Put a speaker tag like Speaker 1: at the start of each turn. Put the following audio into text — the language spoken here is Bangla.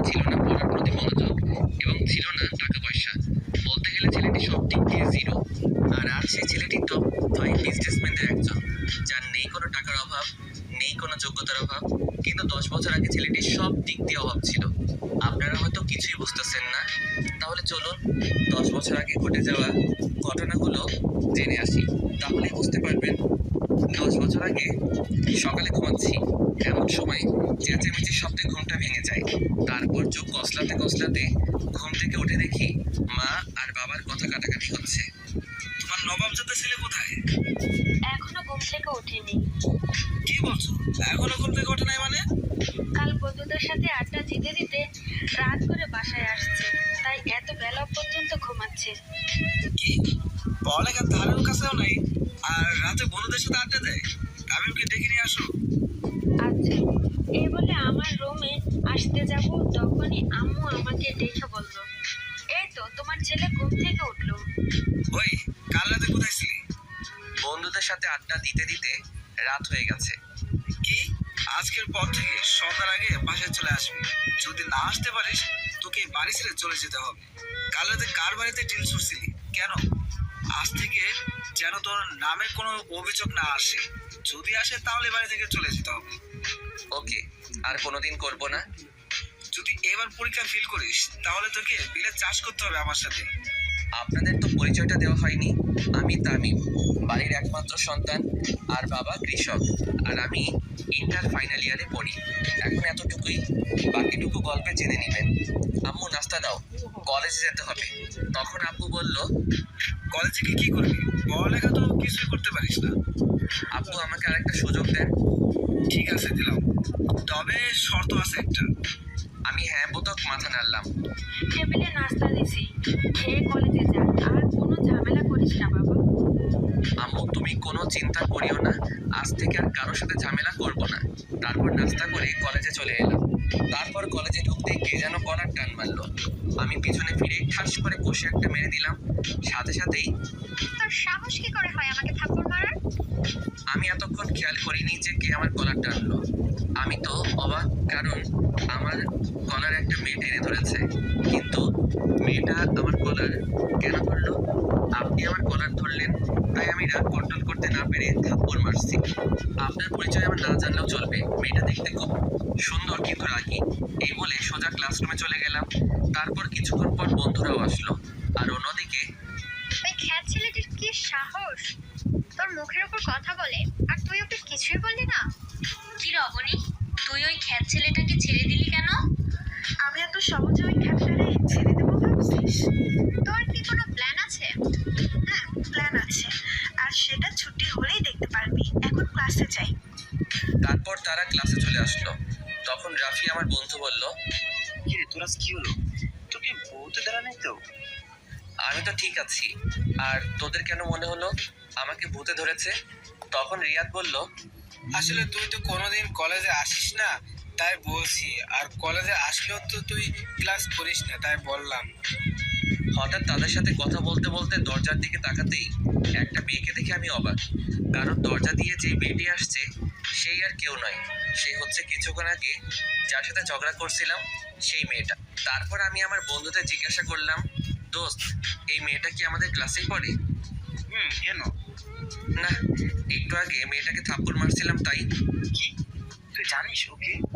Speaker 1: ছিল না পড়ার প্রতি মনোযোগ এবং ছিল না টাকা পয়সা। বলতে গেলে ছেলেটি সব দিক দিয়ে জিরো। আর আজ সেই ছেলেটি টপ 5 বিজনেসম্যানদের একজন, যার নেই কোনো টাকার অভাব, নেই কোনো যোগ্যতার অভাব, কিন্তু 10 বছর আগে ছেলেটির সব দিক দিয়ে অভাব ছিল। আপনারা হয়তো কিছুই বুঝতেছেন না, তাহলে চলুন 10 বছর আগে ঘটে যাওয়া ঘটনাগুলো জেনে আসি, তাহলেই বুঝতে পারবেন। 10 বছর আগে সকালে ঘুমাচ্ছি, এমন সময় চেঁচামেচির শব্দে ঘুমটা ভেঙে যায়। তারপর চোখ কসলাতে কসলাতে ঘুম থেকে উঠে দেখি মা আর বাবার কথা কাটাকাটি হচ্ছে। তোমার নবাবজাদা ছেলে কোথায়?
Speaker 2: এখনো ঘুম থেকে ওঠেনি।
Speaker 1: কি বলছো? এখনো ঘুম থেকে ওঠে নাই মানে?
Speaker 2: কাল বন্ধুদের সাথে আড্ডা দিতে দিতে রাত করে বাসায় আসছে, তাই এত বেলা পর্যন্ত ঘুমাচ্ছে।
Speaker 1: কি পড়ালেখার ধারের কাছেও নাই আর রাতে বন্ধুদের সাথে আড্ডা দেয়? তামিমকে ডেকে নিয়ে আসো।
Speaker 2: আচ্ছা, এই বলে আমার রুমে আসতে যাব, তখনই আম্মু আমাকে দেখে বলল, এই তো তোমার ছেলে ঘুম থেকে উঠলো।
Speaker 1: ওই কাল রাতে কোথায় ছিলি? বন্ধুদের সাথে আড্ডা দিতে দিতে রাত হয়ে গেছে। কি আজকের পর থেকে সন্ধ্যার আগে বাসায় চলে আসবি। যদি না আসতে পারিস তোকে বাড়ি ছেড়ে চলে যেতে হবে। কাল রাতে কার বাড়িতে ডিল ছুটছিলি কেন? আজ থেকে যেন তোর নামে কোনো অভিযোগ না আসে, যদি আসে তাহলে বাড়ি থেকে চলে যেতে হবে। ওকে, আর কোনোদিন করব না। যদি এবার পরীক্ষা ফেল করিস তাহলে তোকে বিলে চাষ করতে হবে আমার সাথে। আপনাদের তো পরিচয়টা দেওয়া হয়নি। আমি তামিম, বাড়ির একমাত্র সন্তান, আর বাবা কৃষক, আর আমি ইন্টার ফাইনাল ইয়ারে পড়ি। এখন এতটুকুই, বাকিটুকু গল্পে জেনে নেবেন। আম্মু নাস্তা দাও, কলেজে যেতে হবে। তখন আব্বু বলল, কলেজে কি করবি? পড়ালেখা তো কিছুই করতে পারিস না। আব্বু আমাকে আরেকটা সুযোগ দেন। ঠিক আছে দিলাম, তবে শর্ত আছে একটা। আমি হ্যাঁ বোধক মাথা নাড়লাম।
Speaker 2: টেবিলে নাস্তা দিছি, খেয়ে কলেজে যা, আর কোনো ঝামেলা করিস না বাবা।
Speaker 1: আম্মু তুমি কোনো চিন্তা করিও না, আজ থেকে আর কারোর সাথে ঝামেলা করব না। তারপর নাস্তা করে কলেজে চলে এলাম। তারপর কলেজে ঢুকতে কে যেন কলার টান মারলো। আমি পিছনে ফিরে ঠাস করে কষে একটা মেরে দিলাম। সাথে সাথেই,
Speaker 2: তোর সাহস কি করে হয় আমাকে থাপ্পড় মারার?
Speaker 1: আমি এতক্ষণ খেয়াল করিনি যে কে আমার কলার টানলো। আমি তো অবাক, কারণ আমার কলার একটা মেয়ে টেনে ধরেছে, কিন্তু মেয়েটা আমার কলার কেন ধরলো? আপনি আমার কলার ধরলেন, তাই আমি রাগ কন্ট্রোল করতে না পেরে থাপ্পড় মারছি। আপনার পরিচয় আমার না জানলেও চলবে, মেয়েটা দেখতে খুব সুন্দর কিন্তু রাগী। এই বলে সোজা ক্লাসরুমে চলে গেলাম। তারপর কিছুক্ষণ পর বন্ধুরাও আসলো। আর অন্যদিকে
Speaker 2: ওই খ্যাত ছেলেটির কি সাহস, তোর মুখের উপর কথা বলে, আর তুই ওকে কিছুই বললি না? কি রবণী, তুই ওই খ্যাত ছেলেটাকে ছেড়ে দিলি কেন?
Speaker 3: আমি এত সহজে ওই খ্যাপটারে ছেড়ে দেবো ভাবছিস?
Speaker 2: তোর কি কোনো প্ল্যান আছে?
Speaker 3: হ্যাঁ, প্ল্যান আছে, আর সেটা ছুটি হলেই দেখতে পারবি। এখন ক্লাসে যাই।
Speaker 1: তারপর তারা ক্লাসে চলে আসলো। তখন রাফি আমার বন্ধু বলল, কিরে তোর আজ কি হলো? তোকে বলতে দেরা নেই তো? আমি তো ঠিক আছি, আর তোদের কেন মনে হলো আমাকে ভূতে ধরেছে? তখন রিয়াদ বলল,
Speaker 4: আসলে তুই তো কোনোদিন কলেজে আসিস না, তাই বলছি। আর কলেজে আসলেও তো তুই ক্লাস করিস না, তাই বললাম।
Speaker 1: হঠাৎ তাদের সাথে কথা বলতে বলতে দরজার দিকে তাকাতেই একটা মেয়েকে দেখে আমি অবাক, কারণ দরজা দিয়ে যে মেয়েটি আসছে সেই আর কেউ নয়, সে হচ্ছে কিছুক্ষণ আগে যার সাথে ঝগড়া করছিলাম সেই মেয়েটা। তারপর আমি আমার বন্ধুদের জিজ্ঞাসা করলাম, দোস্ত এই মেয়েটা কি আমাদের ক্লাসেই পড়ে? কেন? না, একটু আগে মেয়েটাকে থাপ্পড় মারছিলাম তাই। কি তুই জানিস ওকে?